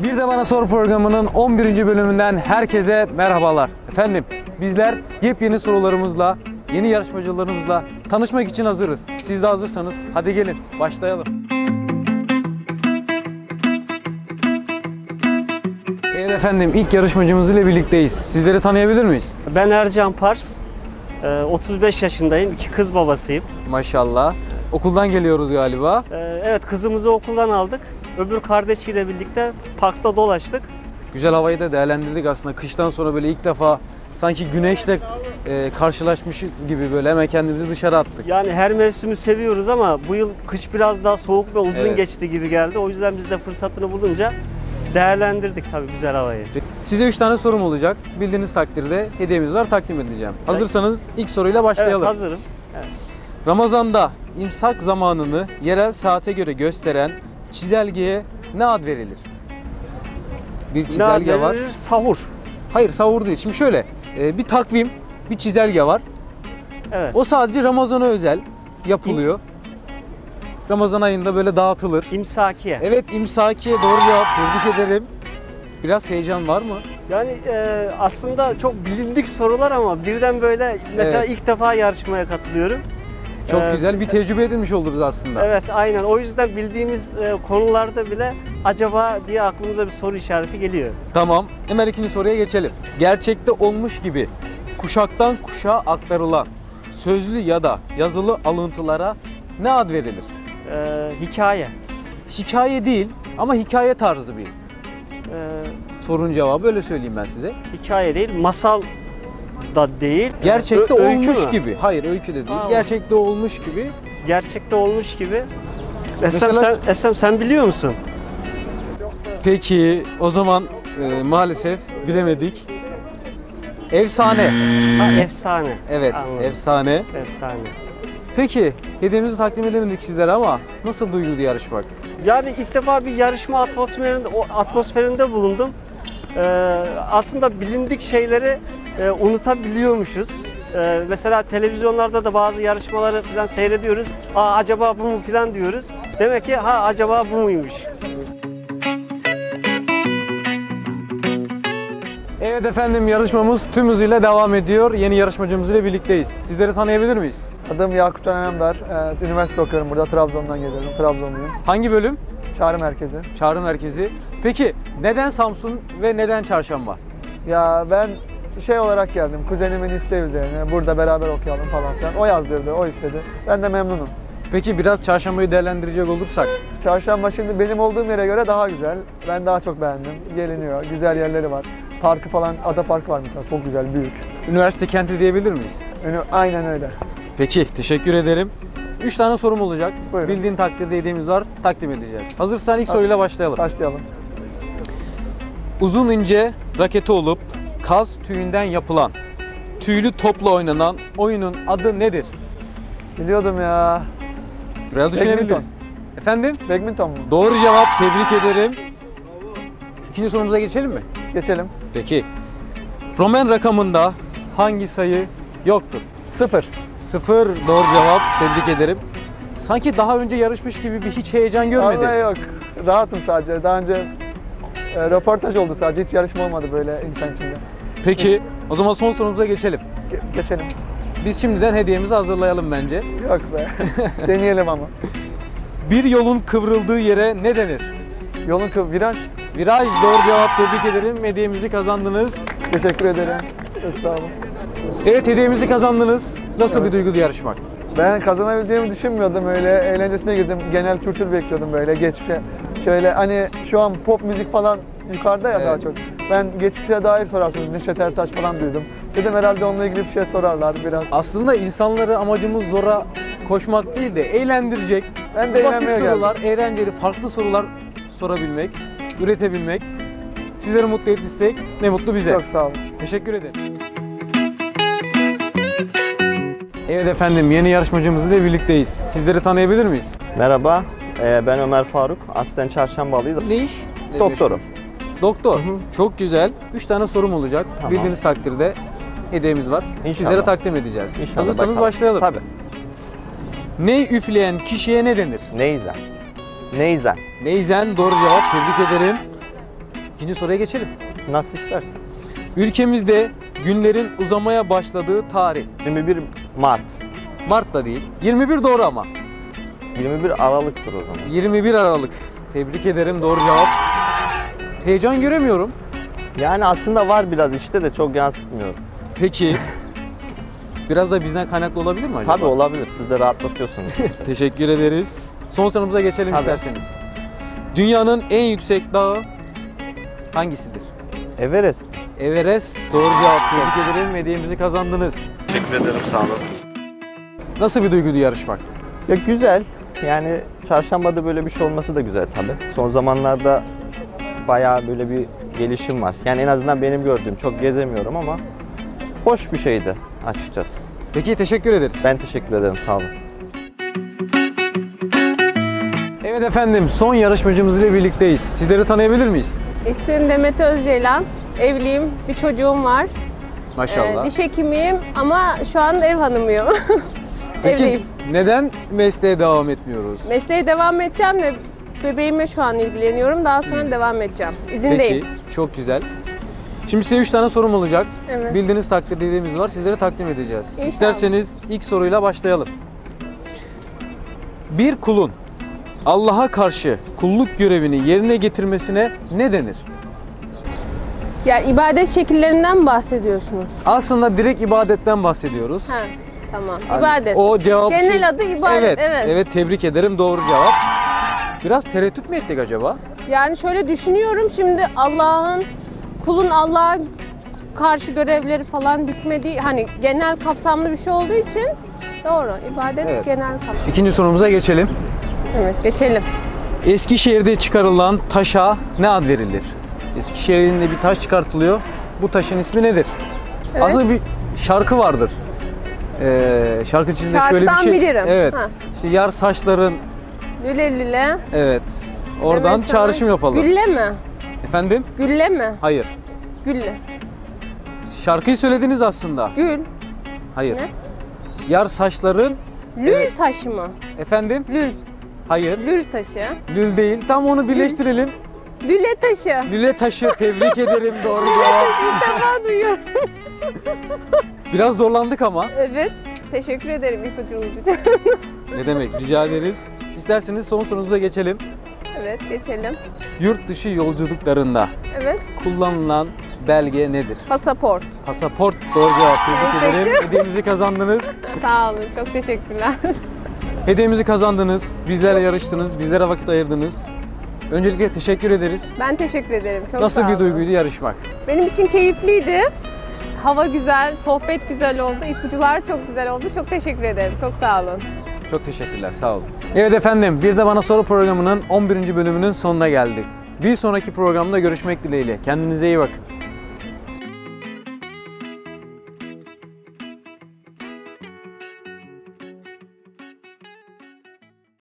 Bir de Bana Sor programının 11. bölümünden herkese merhabalar. Efendim bizler yepyeni sorularımızla, yeni yarışmacılarımızla tanışmak için hazırız. Siz de hazırsanız hadi gelin başlayalım. Evet efendim ilk yarışmacımız ile birlikteyiz. Sizleri tanıyabilir miyiz? Ben Ercan Pars, 35 yaşındayım, 2 kız babasıyım. Maşallah. Okuldan geliyoruz galiba. Evet, kızımızı okuldan aldık. Öbür kardeşiyle birlikte parkta dolaştık. Güzel havayı da değerlendirdik aslında. Kıştan sonra böyle ilk defa sanki güneşle karşılaşmışız gibi böyle hemen kendimizi dışarı attık. Yani her mevsimi seviyoruz ama bu yıl kış biraz daha soğuk ve uzun geçti gibi geldi. O yüzden biz de fırsatını bulunca değerlendirdik tabii güzel havayı. Size 3 tane sorum olacak. Bildiğiniz takdirde hediyemiz var, takdim edeceğim. Hazırsanız ilk soruyla başlayalım. Evet, hazırım. Evet. Ramazan'da imsak zamanını yerel saate göre gösteren çizelgeye ne ad verilir? Bir çizelge var. Sahur. Hayır, sahur değil. Şimdi şöyle, bir takvim, bir çizelge var. Evet. O sadece Ramazan'a özel yapılıyor. Ramazan ayında böyle dağıtılır. İmsakiye. Evet, imsakiye doğru cevap. Tebrik ederim. Biraz heyecan var mı? Yani aslında çok bilindik sorular ama birden böyle mesela ilk defa yarışmaya katılıyorum. Çok güzel bir tecrübe edinmiş oluruz aslında. Evet, aynen. O yüzden bildiğimiz konularda bile acaba diye aklımıza bir soru işareti geliyor. Tamam. Hemen ikinci soruya geçelim. Gerçekte olmuş gibi kuşaktan kuşağa aktarılan sözlü ya da yazılı alıntılara ne ad verilir? Hikaye. Hikaye değil ama hikaye tarzı bir sorun cevabı, öyle söyleyeyim ben size. Hikaye değil, masal da değil. Gerçekte Öykü olmuş mü? gibi. Hayır, öykü de değil. Tamam. Gerçekte olmuş gibi. Gerçekte olmuş gibi. Mesela- Esem sen biliyor musun? Peki o zaman maalesef bilemedik. Efsane. Ha, efsane. Evet, Anladım. efsane. Efsane. Peki hediyemizi takdim edemedik sizlere ama nasıl duyguydu yarışmak? Yani ilk defa bir yarışma atmosferinde bulundum. Aslında bilindik şeyleri unutabiliyormuşuz. Mesela televizyonlarda da bazı yarışmaları falan seyrediyoruz. Aa, acaba bu mu falan diyoruz. Demek ki acaba bu muymuş. Evet efendim yarışmamız tüm hızıyla devam ediyor. Yeni yarışmacımız ile birlikteyiz. Sizleri tanıyabilir miyiz? Adım Yakup Can Önemdar. Üniversite okuyorum burada. Trabzon'dan geliyorum. Trabzonluyum. Hangi bölüm? Çağrı merkezi. Çağrı Merkezi. Peki neden Samsun ve neden Çarşamba? Ya ben şey olarak geldim. Kuzenimin isteği üzerine. Burada beraber okuyalım falan filan. O yazdırdı, o istedi. Ben de memnunum. Peki biraz Çarşamba'yı değerlendirecek olursak? Çarşamba şimdi benim olduğum yere göre daha güzel. Ben daha çok beğendim. Geliniyor. Güzel yerleri var. Parkı falan, Ada Parkı var mesela. Çok güzel, büyük. Üniversite kenti diyebilir miyiz? Aynen öyle. Peki teşekkür ederim. 3 tane sorum olacak. Buyurun. Bildiğin takdirde hediyemiz var. Takdim edeceğiz. Hazırsan ilk soruyla başlayalım. Başlayalım. Uzun ince raketi olup kaz tüyünden yapılan, tüylü topla oynanan oyunun adı nedir? Biliyordum ya. Biraz düşünebiliriz. Efendim? Badminton mu? Doğru cevap. Tebrik ederim. İkinci sorumuza geçelim mi? Geçelim. Peki. Roman rakamında hangi sayı yoktur? 0. 0 doğru cevap. Tebrik ederim. Sanki daha önce yarışmış gibi bir hiç heyecan görmedim. Vallahi yok. Rahatım sadece. Daha önce röportaj oldu sadece. Hiç yarışma olmadı böyle insan içinde. Peki o zaman son sorumuza geçelim. Geçelim. Biz şimdiden hediyemizi hazırlayalım bence. Yok be. Deneyelim ama. Bir yolun kıvrıldığı yere ne denir? Yolun viraj. Viraj doğru cevap, tebrik ederim. Hediyemizi kazandınız. Teşekkür ederim. Çok sağ olun. Evet hediyemizi kazandınız. Nasıl Evet. bir duyguydu yarışmak? Ben kazanabileceğimi düşünmüyordum öyle. Eğlencesine girdim. Genel kültür bekliyordum böyle geçmişe. Şöyle hani şu an pop müzik falan yukarıda ya Evet. daha çok. Ben geçmişe dair sorarsınız. Neşet Ertaş falan duydum. Dedim herhalde onunla ilgili bir şey sorarlar biraz. Aslında insanları amacımız zora koşmak değil de eğlendirecek, Ben de basit eğlenmeye sorular, geldim. eğlenceli, farklı sorular sorabilmek, üretebilmek. Sizleri mutlu ettiysek ne mutlu bize. Çok sağ olun. Teşekkür ederim. Evet efendim yeni yarışmacımız ile birlikteyiz. Sizleri tanıyabilir miyiz? Merhaba, ben Ömer Faruk. Aslen Çarşambalıyım. Ne iş? Doktorum. Doktor. Çok güzel. 3 tane sorum olacak. Tamam. Bildiğiniz takdirde hediyemiz var. İnşallah. Sizlere takdim edeceğiz. İnşallah Hazırsanız bakalım. başlayalım. Tabii. Ney üfleyen kişiye ne denir? Neyzen. Neyzen. Neyzen doğru cevap. Tebrik ederim. İkinci soruya geçelim. Nasıl isterseniz. Ülkemizde günlerin uzamaya başladığı tarih. 21 Mart. Mart da değil. 21 doğru ama. 21 Aralık'tır o zaman. 21 Aralık. Tebrik ederim, doğru cevap. Heyecan göremiyorum. Yani aslında var biraz işte de çok yansıtmıyorum. Peki. Biraz da bizden kaynaklı olabilir mi acaba? Tabii olabilir. Siz de rahatlatıyorsunuz. Teşekkür ederiz. Son sorumuza geçelim Tabii. isterseniz. Dünyanın en yüksek dağı hangisidir? Everest. Everest. Doğru cevap. Tebrik ederim. Hediyemizi kazandınız. Teşekkür ederim, sağ olun. Nasıl bir duyguydu yarışmak? Ya güzel. Yani çarşambada böyle bir şey olması da güzel tabii. Son zamanlarda bayağı böyle bir gelişim var. Yani en azından benim gördüğüm, çok gezemiyorum ama hoş bir şeydi açıkçası. Peki, teşekkür ederiz. Ben teşekkür ederim, sağ olun. Evet efendim, son yarışmacımız ile birlikteyiz. Sizleri tanıyabilir miyiz? İsmim Demet Özceylan. Evliyim, bir çocuğum var. Maşallah. Diş hekimiyim ama şu an ev hanımıyım. Peki Evliyim. neden mesleğe devam etmiyoruz? Mesleğe devam edeceğim de bebeğime şu an ilgileniyorum. Daha sonra devam edeceğim. İzindeyim. Peki, çok güzel. Şimdi size 3 tane sorum olacak. Evet. Bildiğiniz takdirlerimiz var. Sizlere takdim edeceğiz. İnşallah. İsterseniz ilk soruyla başlayalım. Bir kulun Allah'a karşı kulluk görevini yerine getirmesine ne denir? Ya ibadet şekillerinden bahsediyorsunuz. Aslında direkt ibadetten bahsediyoruz. Ha, tamam. Hani İbadet. O cevap Genel adı ibadet, evet. Evet, tebrik ederim. Doğru cevap. Biraz tereddüt mü ettik acaba? Yani şöyle düşünüyorum şimdi kulun Allah'a karşı görevleri falan bitmediği hani genel kapsamlı bir şey olduğu için doğru. İbadet Evet. genel kapsamlı. İkinci sorumuza geçelim. Evet, geçelim. Eskişehir'de çıkarılan taşa ne ad verilir? Eskişehir'in bir taş çıkartılıyor. Bu taşın ismi nedir? Evet. Aslında bir şarkı vardır. Şarkı içinde şöyle bir Şarkıdan şey. bilirim. Evet. Ha. İşte yar saçların. Lüle lüle. Evet. Oradan Demet sana- çağrışım yapalım. Gülle mi? Efendim? Gülle mi? Hayır. Gülle. Şarkıyı söylediniz aslında. Gül. Hayır. Ne? Yar saçların. Lül taşı mı? Efendim? Lül. Hayır. Lül taşı. Lül değil. Tam onu birleştirelim. Lüle taşı. Lüle taşı. Tebrik ederim. Doğru cevap. İlk defa duyuyorum. Biraz zorlandık ama. Evet. Teşekkür ederim ipucunuz için. Ne demek? Rica ederiz. İsterseniz son sorunuza geçelim. Evet, geçelim. Yurt dışı yolculuklarında Evet. kullanılan belge nedir? Pasaport. Pasaport. Doğru cevap. Tebrik Teşekkür. ederim. Hediyemizi kazandınız. Sağ olun. Çok teşekkürler. Hediyemizi kazandınız. Bizlerle yarıştınız. Bizlere vakit ayırdınız. Öncelikle teşekkür ederiz. Ben teşekkür ederim. Çok Nasıl sağ bir olun. duyguydu yarışmak? Benim için keyifliydi. Hava güzel, sohbet güzel oldu, ipucular çok güzel oldu. Çok teşekkür ederim. Çok sağ olun. Çok teşekkürler. Sağ olun. Evet efendim, Bir de Bana Soru programının 11. bölümünün sonuna geldik. Bir sonraki programda görüşmek dileğiyle. Kendinize iyi bakın.